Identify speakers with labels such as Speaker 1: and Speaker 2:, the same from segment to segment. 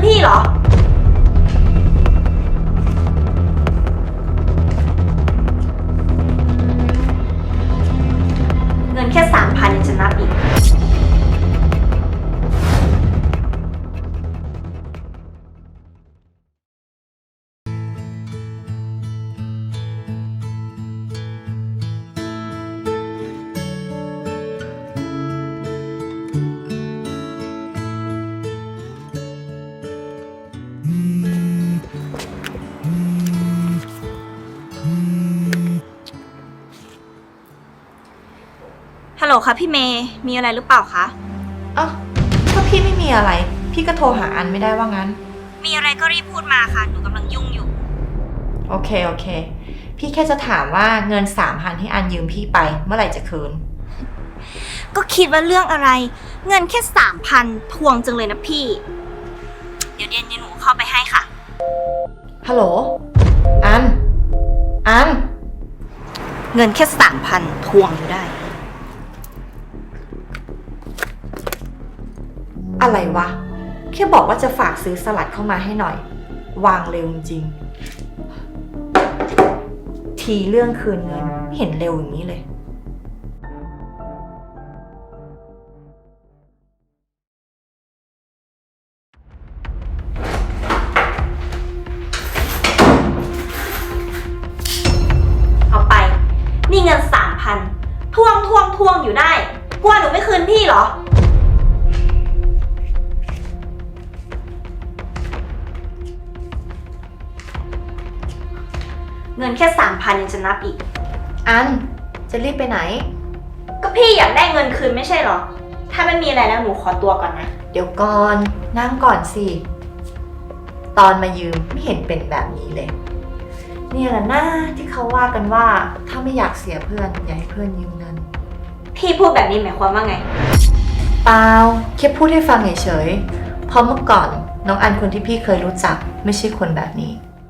Speaker 1: พี่เหรอเงินแค่3,000ยังจะนับอีกฮัลโหลค่ะพี่เมย์มีอะไรหรือเปล่าคะ
Speaker 2: อ้าวถ้าพี่ไม่มีอะไรพี่ก็โทรหาอันไม่ได้ว่างั้น
Speaker 1: มีอะไรก็รีบพูดมาค่ะหนูกำลังยุ่งอยู่
Speaker 2: โอเคพี่แค่จะถามว่าเงิน3,000ที่อันยืมพี่ไปเมื่อไหร่จะคืน
Speaker 1: ก็คิดว่าเรื่องอะไรเงินแค่3,000ทวงจังเลยนะพี่เดี๋ยวหนูเข้าไปให้ค่ะ
Speaker 2: ฮัลโหลอัน
Speaker 1: เงินแค่3,000ทวงอยู่ได้
Speaker 2: อะไรวะแค่บอกว่าจะฝากซื้อสลัดเข้ามาให้หน่อยวางเร็วจริงทีเรื่องคืนเงินไม่เห็นเร็วอย่างนี้เลย
Speaker 1: เอาไปนี่เงิน3,000ทวงอยู่ได้กลัวหนูไม่คืนพี่เหรอเงินแค่3,000ยังจะนับอีก
Speaker 2: อันจะรีบไปไหน
Speaker 1: ก็พี่อยากได้เงินคืนไม่ใช่เหรอถ้าไม่มีอะไรแล้วหนูขอตัวก่อนนะ
Speaker 2: เดี๋ยวก่อนนั่งก่อนสิตอนมายืมไม่เห็นเป็นแบบนี้เลยเนี่ยแหละนะที่เขาว่ากันว่าถ้าไม่อยากเสียเพื่อนอย่าให้เพื่อนยืมเงิน
Speaker 1: พี่พูดแบบนี้หมายความว่าไง
Speaker 2: เปล่าแค่พูดให้ฟังเฉยๆเพราะเมื่อก่อนน้องอันคนที่พี่เคยรู้จักไม่ใช่คนแบบนี้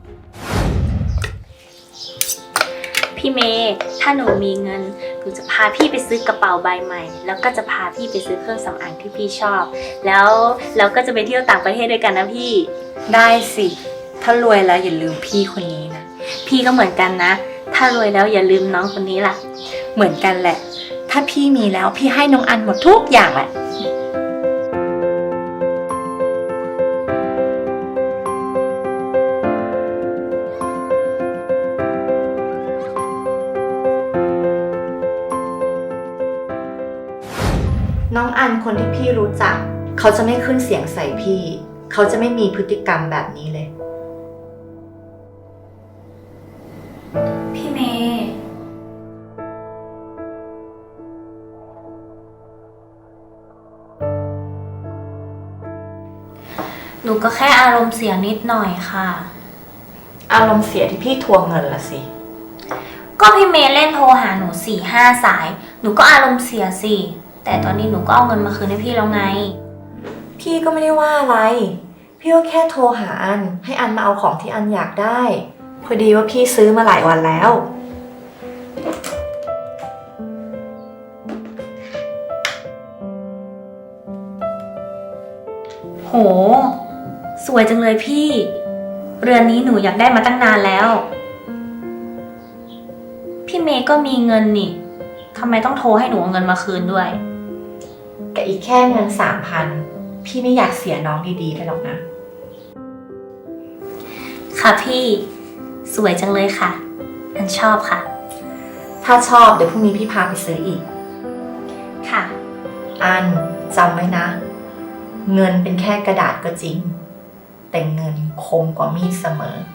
Speaker 1: พี่เมย์ถ้าหนูมีเงินหนูจะพาพี่ไปซื้อกระเป๋าใบใหม่แล้วก็จะพาพี่ไปซื้อเครื่องสำอางที่พี่ชอบแล้วเราก็จะไปเที่ยวต่างประเทศด้วยกันนะพี่
Speaker 2: ได้สิถ้ารวยแล้วอย่าลืมพี่คนนี้นะ
Speaker 1: พี่ก็เหมือนกันนะถ้ารวยแล้วอย่าลืมน้องคนนี้ล่ะ
Speaker 2: เหมือนกันแหละถ้าพี่มีแล้วพี่ให้น้องอันหมดทุกอย่างแหละน้องอันคนที่พี่รู้จักเขาจะไม่ขึ้นเสียงใส่พี่เขาจะไม่มีพฤติกรรมแบบนี้เลย
Speaker 1: พี่เมย์หนูก็แค่อารมณ์เสียนิดหน่อยค่ะ
Speaker 2: อารมณ์เสียที่พี่ทวงเงินละสิ
Speaker 1: ก็พี่เมย์เล่นโทรหาหนู4-5 สายหนูก็อารมณ์เสียสิแต่ตอนนี้หนูก็เอาเงินมาคืนให้พี่แล้วไง
Speaker 2: พี่ก็ไม่ได้ว่าอะไรพี่ก็แค่โทรหาอันให้อันมาเอาของที่อันอยากได้พอดีว่าพี่ซื้อมาหลายวันแล้ว
Speaker 1: โหสวยจังเลยพี่เรือนนี้หนูอยากได้มาตั้งนานแล้วพี่เมย์ก็มีเงินนี่ทำไมต้องโทรให้หนูเอาเงินมาคืนด้วย
Speaker 2: แต่อีกแค่เงิน3,000พี่ไม่อยากเสียน้องดีๆไปหรอกนะ
Speaker 1: ค่ะพี่สวยจังเลยค่ะอันชอบค่ะ
Speaker 2: ถ้าชอบเดี๋ยวพรุ่งนี้พี่พาไปซื้ออีก
Speaker 1: ค่ะ
Speaker 2: อันจำไว้นะเงินเป็นแค่กระดาษก็จริงแต่เงินคมกว่ามีดเสมอ